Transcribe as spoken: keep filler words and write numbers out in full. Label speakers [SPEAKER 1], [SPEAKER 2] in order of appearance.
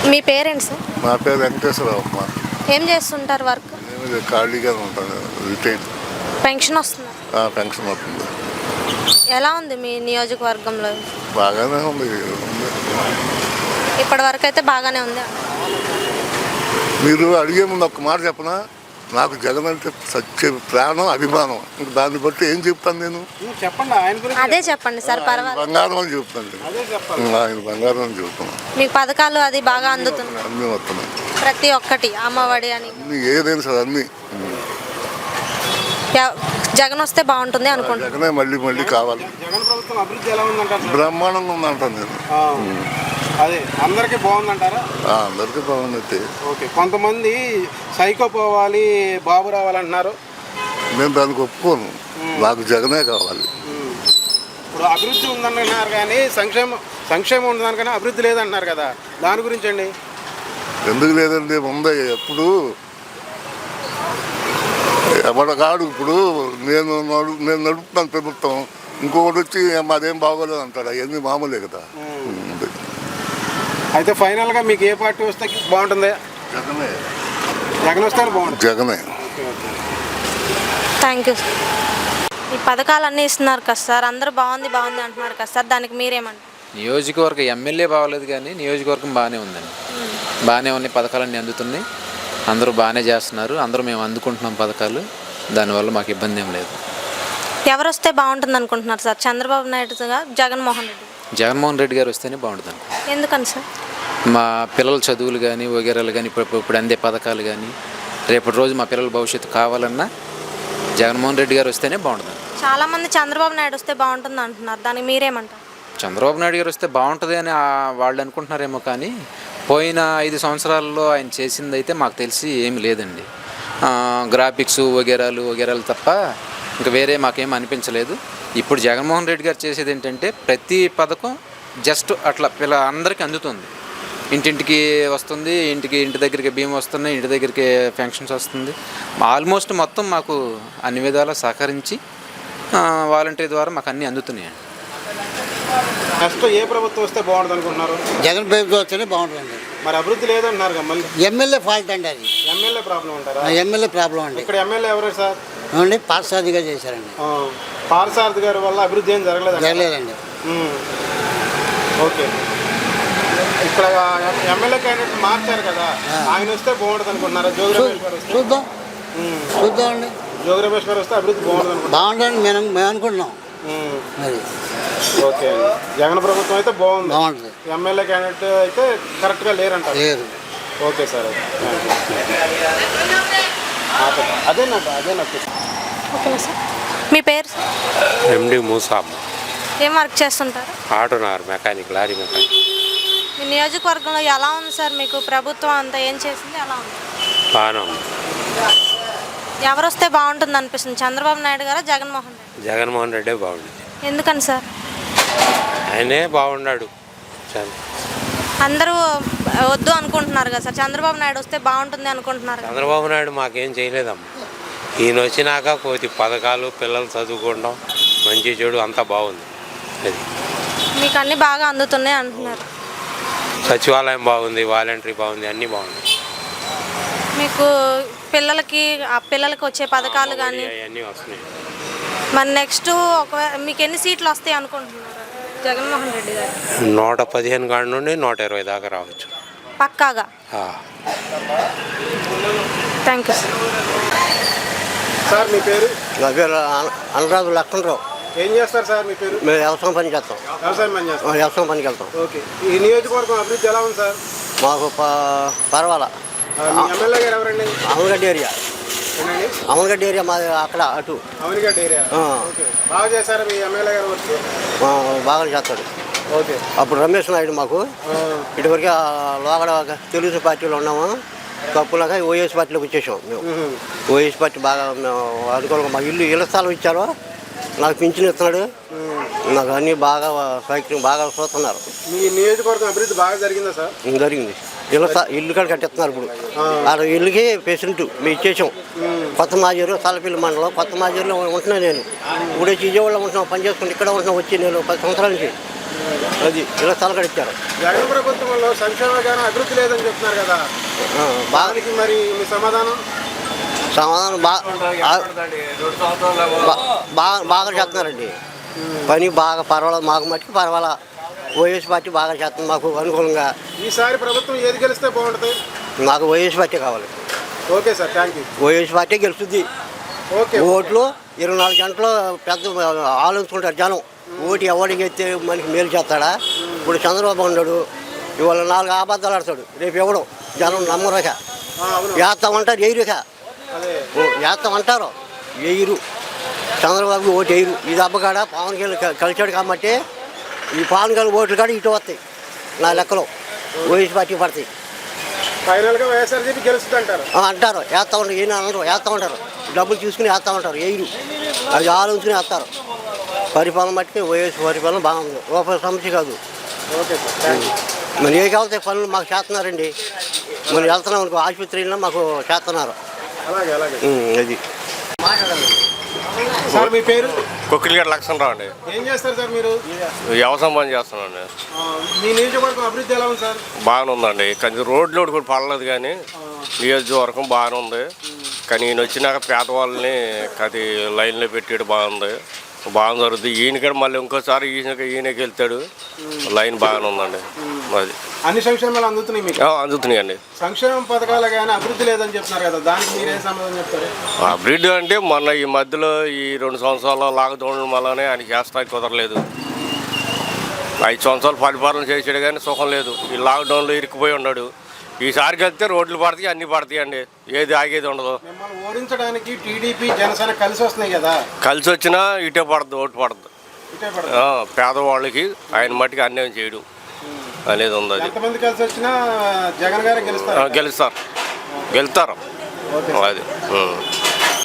[SPEAKER 1] మీ parents?
[SPEAKER 2] మా పేరు వెంకటేశ్వరరావు అమ్మ.
[SPEAKER 1] ఏం చేస్తుంటారు వర్క్?
[SPEAKER 2] నేను ఖాళీగానే ఉంటాను, రిటైన్.
[SPEAKER 1] పెన్షన్ వస్తుందా?
[SPEAKER 2] పెన్షన్ వస్తుంది.
[SPEAKER 1] ఎలా ఉంది మీ నియోజకవర్గంలో?
[SPEAKER 2] బాగానే ఉంది.
[SPEAKER 1] ఇప్పటి వరకు అయితే బాగానే ఉంది.
[SPEAKER 2] మీరు అడిగే ముందు ఒక్క మాట చెప్పనా, నాకు జగన్ అంటే సత్య ప్రాణం, అభిమానం. ఇంక దాన్ని బట్టి ఏం చెప్తాను నేను?
[SPEAKER 3] చెప్పండి, ఆయన గురించి
[SPEAKER 1] అదే చెప్పండి సార్. పర్వాలేదు,
[SPEAKER 2] బంగారం అని చెప్తాను. ఆయన బంగారం అని చెప్తున్నాను.
[SPEAKER 1] మీకు పథకాలు అది బాగా అందుతుంది?
[SPEAKER 2] అన్నీ వస్తున్నాయి,
[SPEAKER 1] ప్రతి ఒక్కటి, అమ్మఒడి అని
[SPEAKER 2] ఏదైనా సార్ అన్నీ.
[SPEAKER 1] జగన్ వస్తే బాగుంటుంది అనుకుంటున్నాను.
[SPEAKER 2] జగనే మళ్ళీ మళ్ళీ కావాలి.
[SPEAKER 3] జగన్ ప్రభుత్వం అభివృద్ధి ఎలా ఉందంటారు?
[SPEAKER 2] బ్రహ్మాండంగా ఉందంటాను నేను.
[SPEAKER 3] అదే అందరికీ బాగుందంటారా?
[SPEAKER 2] అందరికీ బాగుంది.
[SPEAKER 3] ఓకే, కొంతమంది సైకో పోవాలి, బాబు రావాలంటున్నారు.
[SPEAKER 2] నేను దానికి ఒప్పుకోను. నాకు జగనే కావాలి.
[SPEAKER 3] ఇప్పుడు అభివృద్ధి ఉందన్నారు కానీ సంక్షేమం సంక్షేమం ఉందన్నారు కానీ అభివృద్ధి లేదంటున్నారు కదా, దాని గురించి అండి?
[SPEAKER 2] ఎందుకు లేదండి, ఉందా. ఎప్పుడు ఎవడగాడు ఇప్పుడు నేను నడు నేను నడుపుతాను ప్రభుత్వం, ఇంకొకటి వచ్చి మాదేం బాగోలేదు అంటాడు. అవన్నీ మామూలే కదా.
[SPEAKER 3] అయితే ఫైనల్గా మీకు ఏ పార్టీ వస్తే బాగుంటుంది?
[SPEAKER 2] జగనే.
[SPEAKER 3] జగన్ వస్తే బాగుంటుంది.
[SPEAKER 2] జగనే.
[SPEAKER 1] Thank you. ఈ పథకాలు అన్నీ ఇస్తున్నారు కదా సార్, అందరూ బాగుంది బాగుంది అంటున్నారు కదా సార్, దానికి మీరేమంటారు?
[SPEAKER 4] నియోజకవర్గం ఎమ్మెల్యే బాగోలేదు కానీ నియోజకవర్గం బాగానే ఉందండి. బాగానే ఉన్నాయి, పథకాలన్నీ అందుతున్నాయి, అందరూ బాగానే చేస్తున్నారు, అందరూ మేము అందుకుంటున్నాం పథకాలు. దానివల్ల మాకు ఇబ్బంది ఏం లేదు.
[SPEAKER 1] ఎవరు వస్తే బాగుంటుంది అనుకుంటున్నారు సార్? చంద్రబాబు నాయుడుగా, జగన్మోహన్ రెడ్డి?
[SPEAKER 4] జగన్మోహన్ రెడ్డి గారు వస్తేనే బాగుంటుంది.
[SPEAKER 1] ఎందుకని సార్? మా
[SPEAKER 4] పిల్లల చదువులు కానీ వగేరాలు కానీ ఇప్పుడు ఇప్పుడు అందే పథకాలు కానీ రేపటి రోజు మా పిల్లల భవిష్యత్తు కావాలన్నా జగన్మోహన్ రెడ్డి గారు వస్తేనే బాగుంటుంది.
[SPEAKER 1] చాలామంది చంద్రబాబు నాయుడు వస్తే బాగుంటుంది అంటున్నారు, దానికి మీరేమంటారు?
[SPEAKER 4] చంద్రబాబు నాయుడు గారు వస్తే బాగుంటుంది అని వాళ్ళు అనుకుంటున్నారేమో కానీ పోయిన ఐదు సంవత్సరాల్లో ఆయన చేసింది అయితే మాకు తెలిసి ఏమి లేదండి. గ్రాఫిక్స్ వగేరాలు వగేరాలు తప్ప ఇంకా వేరే మాకేం అనిపించలేదు. ఇప్పుడు జగన్మోహన్ రెడ్డి గారు చేసేది ఏంటంటే ప్రతి పథకం జస్ట్ అట్లా పిల్ల అందరికీ అందుతుంది, ఇంటింటికి వస్తుంది, ఇంటికి ఇంటి దగ్గరికి బియ్యం వస్తున్నాయి, ఇంటి దగ్గరికి పెన్షన్స్ వస్తుంది. ఆల్మోస్ట్ మొత్తం మాకు అన్ని విధాలా సహకరించి వాలంటీర్ ద్వారా మాకు అన్నీ అందుతున్నాయండి.
[SPEAKER 3] నెక్స్ట్ ఏ ప్రభుత్వం వస్తే బాగుంటుంది అనుకుంటున్నారు?
[SPEAKER 5] జగన్ ప్రభుత్వం వస్తేనే బాగుంటుంది.
[SPEAKER 3] మరి అభివృద్ధి లేదన్నారు మళ్ళీ.
[SPEAKER 5] ఎమ్మెల్యే ఫాల్ట్ అండి అది.
[SPEAKER 3] ఎమ్మెల్యే ప్రాబ్లం అంటారా?
[SPEAKER 5] ఎమ్మెల్యే ప్రాబ్లం అండి.
[SPEAKER 3] ఇక్కడ ఎమ్మెల్యే ఎవరు సార్?
[SPEAKER 5] అవునండి, పార్సారథిగా చేశారండి.
[SPEAKER 3] పార్సారథి గారి వల్ల అభివృద్ధి ఏం జరగలేదు?
[SPEAKER 5] జరగలేదండి.
[SPEAKER 3] ఓకే, ఇక్కడ ఎమ్మెల్యే క్యాండిడేట్ మార్చారు కదా, ఆయన వస్తే బాగుంటుంది అనుకుంటున్నారా? జోగి రమేష్ గారు వస్తే?
[SPEAKER 5] చూద్దాం చూద్దాం అండి.
[SPEAKER 3] జోగి రమేష్ గారు వస్తే అభివృద్ధి బాగుంటుంది అనుకుంటున్నాం.
[SPEAKER 5] బాగుంటుంది మేము మేము అనుకుంటున్నాం. అది
[SPEAKER 3] ఓకే, జగన్ ప్రభుత్వం అయితే బాగుంది,
[SPEAKER 5] బాగుంటుంది.
[SPEAKER 3] ఎమ్మెల్యే క్యాండిడేట్ అయితే కరెక్ట్గా లేరంటారు?
[SPEAKER 5] లేదు.
[SPEAKER 3] ఓకే సార్, అదే నాకు అదే నాకు
[SPEAKER 1] ఓకేనా సార్? మీ పేరు సార్?
[SPEAKER 6] ఎండి మూసాబ్.
[SPEAKER 1] ఏం వర్క్ చేస్తుంటారు?
[SPEAKER 6] ఆటోనార్ మెకానిక్, లారీ మెకానిక్.
[SPEAKER 1] మీ నియోజకవర్గంలో ఎలా ఉంది సార్? మీకు ప్రభుత్వం అంతా ఏం చేసింది, ఎలా ఉంది?
[SPEAKER 6] బాగానే ఉంది.
[SPEAKER 1] ఎవరు వస్తే బాగుంటుంది అనిపిస్తుంది, చంద్రబాబు నాయుడు గారా, జగన్మోహన్ రెడ్డి?
[SPEAKER 6] జగన్మోహన్ రెడ్డే బాగుంది.
[SPEAKER 1] ఎందుకని సార్?
[SPEAKER 6] ఆయనే బాగున్నాడు.
[SPEAKER 1] అందరూ వద్దు అనుకుంటున్నారు కదా సార్, చంద్రబాబు నాయుడు వస్తే బాగుంటుంది అనుకుంటున్నారు.
[SPEAKER 6] చంద్రబాబు నాయుడు మాకేం చేయలేదమ్మా. ఈయన వచ్చినాక కొద్ది పథకాలు, పిల్లలు చదువుకోవడం, మంచి చెడు అంతా బాగుంది. అది
[SPEAKER 1] మీకు అన్నీ బాగా అందుతున్నాయి అంటున్నారు.
[SPEAKER 6] సచివాలయం బాగుంది, వాలంటరీ బాగుంది, అన్నీ బాగుంది.
[SPEAKER 1] మీకు పిల్లలకి ఆ పిల్లలకి వచ్చే పథకాలు కానీ
[SPEAKER 6] అవన్నీ వస్తున్నాయి.
[SPEAKER 1] మరి నెక్స్ట్ ఒకవేళ మీకు ఎన్ని సీట్లు వస్తాయి అనుకుంటున్నారు జగన్మోహన్ రెడ్డి గారు?
[SPEAKER 6] నూట పదిహేను కాడి నుండి నూట ఇరవై దాకా రావచ్చు
[SPEAKER 1] పక్కాగా. Thank you
[SPEAKER 3] sir. మీ పేరు?
[SPEAKER 5] నా పేరు అనురాధు లక్ష్మణరావు.
[SPEAKER 3] ఏం చేస్తారు సార్ మీ పేరు?
[SPEAKER 5] మేము వ్యవసాయం పని చేస్తాం.
[SPEAKER 3] వ్యవసాయం పని చేస్తాం.
[SPEAKER 5] వ్యవసాయం పనికి వెళ్తాం.
[SPEAKER 3] ఓకే, ఈ నియోజకవర్గం అభివృద్ధి ఎలా ఉంది సార్?
[SPEAKER 5] మాకు పర్వాలా.
[SPEAKER 3] ఎమ్మెల్యే గారు ఎవరండి?
[SPEAKER 5] అమలగడ్డ ఏరియా. అమలగడ్డ ఏరియా మాది అక్కడ అటు.
[SPEAKER 3] అమలగడ్డ ఏరియా. ఓకే, బాగా చేశారు మీ ఎమ్మెల్యే గారు వచ్చి?
[SPEAKER 5] బాగా చేస్తాడు.
[SPEAKER 3] ఓకే,
[SPEAKER 5] అప్పుడు రమేష్ నాయుడు మాకు ఇటువరకు లోగడ తెలుగు పార్టీలో ఉన్నాము, తప్పులాగా ఓఎస్ పార్టీలోకి వచ్చేసాం మేము. ఓఎస్ పార్టీ బాగా అనుకూలంగా మా ఇల్లు ఇళ్ళ స్థలం ఇచ్చారు, నాకు పింఛన్ ఇస్తున్నాడు, నాకు అన్నీ బాగా సౌకర్యం బాగా చూస్తున్నారు.
[SPEAKER 3] మీ నియోజకవర్గం అభివృద్ధి బాగా జరిగిందా సార్?
[SPEAKER 5] జరిగింది. ఇళ్ళ ఇల్లు కూడా కట్టిస్తున్నారు ఇప్పుడు. ఆ ఇల్లుకి పేషెంట్ మేము ఇచ్చేసాం. కొత్త మాజీరు, తలపిల్లి మండలం కొత్త మాజీరులో ఉంటున్నాను నేను. ఇప్పుడు వచ్చి విజయవాడలో ఉంటున్నాం, పని చేసుకుంటే ఇక్కడ ఉంటున్నాం. వచ్చి నేను పది సంవత్సరాల నుంచి అది ఇళ్ళ స్థలం కూడా ఇచ్చారు.
[SPEAKER 3] జగన్ ప్రభుత్వంలో సంక్షేమ గానం అభివృద్ధి లేదని చెప్తున్నారు కదా,
[SPEAKER 5] ఆ, బాగా
[SPEAKER 3] దానికి మరి మీ సమాధానం?
[SPEAKER 5] సమాధానం బాగా బాగా బాగా చేస్తున్నారండి. పని బాగా పర్వాలేదు, మాకు మట్టుకు పర్వాలా. వైఎస్ పార్టీ బాగా చేస్తుంది మాకు అనుకూలంగా.
[SPEAKER 3] ఈసారి ప్రభుత్వం ఏది గెలిస్తే బాగుంటుంది?
[SPEAKER 5] మాకు వైఎస్ పార్టీ కావాలి.
[SPEAKER 3] Okay sir, thank you.
[SPEAKER 5] YS party గెలుస్తుంది.
[SPEAKER 3] ఓకే.
[SPEAKER 5] ఓట్లు ఇరవై నాలుగు గంటలు పెద్ద ఆలోచించుకుంటారు జనం. ఓటు ఎవరికి ఎత్తే మనకి మేలు చేస్తాడా? ఇప్పుడు చంద్రబాబు ఉన్నాడు, ఇవాళ నాలుగు అబద్ధాలు ఆడతాడు, రేపు ఎవడు జనం నమ్మరక
[SPEAKER 3] ఆ, అవును.
[SPEAKER 5] వేస్తామంటారు, ఎయిరుక
[SPEAKER 3] అదే
[SPEAKER 5] వేస్తామంటారు, ఎయిరు. చంద్రబాబు ఓటు ఎయిరు. ఈ దెబ్బకాడ పవన్ కళ్యాణ్ కలిసాడు కాబట్టి ఈ పవన్ కళ్యాణ్ ఓట్లు కాడ ఇటు వస్తాయి నా లెక్కలో. వైఎస్ పార్టీ పడతాయి
[SPEAKER 3] ఫైనల్గా వైఎస్ఆర్సీపీ గెలుస్తుంది అంటారు.
[SPEAKER 5] ఆ, అంటారు, వేస్తూ ఉంటారు. ఏం అనరు, వేస్తూ ఉంటారు. డబ్బులు తీసుకుని వేస్తూ ఉంటారు, ఎయిరు. అది ఆలోచించుకుని వేస్తారు. పరిపాలన మట్టుకి వైఎస్ పరిపాలన బాగుంది, రూపాయల సమస్య కాదు.
[SPEAKER 3] Okay sir, thank you.
[SPEAKER 5] మరి ఏ కావాల్సిన పనులు మాకు చేస్తున్నారండి. మరి వెళ్తున్నాం అనుకో, ఆసుపత్రిలో మాకు చేస్తున్నారు.
[SPEAKER 3] అలాగే అలాగే.
[SPEAKER 5] ఉం, అది
[SPEAKER 3] సార్ మీ పేరు?
[SPEAKER 7] కొక్కిలిగడ్డ లక్ష్మణరావు అండి.
[SPEAKER 3] ఏం చేస్తారు సార్ మీరు?
[SPEAKER 7] వ్యవసాయం పని చేస్తున్నాను.
[SPEAKER 3] ఆ, మీ నియోజకవర్గం అభివృద్ధి ఎలా ఉంది సార్?
[SPEAKER 7] బాగానే ఉందండి, కానీ రోడ్లు ఒకటి కూడా పడలేదు, కానీ నియోజకవర్గం బాగానే ఉంది. కానీ ఈయన వచ్చినాక పేదవాళ్ళని అది లైన్లో పెట్టాడు, బాగుంది, బాగా జరుగుతుంది. ఈయన కూడా మళ్ళీ ఇంకోసారి ఈయన ఈయనకి వెళ్తాడు, లైన్ బాగానే ఉందండి. అది
[SPEAKER 3] అన్ని సంక్షేమాలు అందుతున్నాయి మీకు?
[SPEAKER 7] ఆ, అందుతున్నాయండి.
[SPEAKER 3] సంక్షేమ పథకాలు కానీ అభివృద్ధి లేదని చెప్తున్నారు కదా, దానికి మీరేం సమాధానం చెప్తారు?
[SPEAKER 7] అభివృద్ధి అంటే మొన్న ఈ మధ్యలో ఈ రెండు సంవత్సరాల లాక్డౌన్ వల్లనే ఆయన చేస్తానికి కుదరలేదు. ఐదు సంవత్సరాలు పరిపాలన చేసాడు కానీ సుఖం లేదు. ఈ లాక్డౌన్లో ఇరుక్కుపోయి ఉన్నాడు. ఈసారికి వెళ్తే రోడ్లు పడతాయి, అన్నీ పడతాయి అండి, ఏది ఆగేది ఉండదు.
[SPEAKER 3] మిమ్మల్ని ఓడించడానికి టీడీపీ జనసేన కలిసి వస్తున్నాయి కదా,
[SPEAKER 7] కలిసి వచ్చినా ఇటే పడదు, ఓటు పడదు.
[SPEAKER 3] ఇటే పడదు.
[SPEAKER 7] ఆ, పేదవాళ్ళకి ఆయన మట్టికి అన్యాయం చేయడం అనేది ఉంది. అది
[SPEAKER 3] ఎంతమంది కలిసి వచ్చినా జగన్ గారే
[SPEAKER 7] ఆ,
[SPEAKER 3] గెలుస్తారు.
[SPEAKER 7] గెలుస్తారు, గెలుస్తారు.
[SPEAKER 3] ఓకే.
[SPEAKER 7] అది ఉం.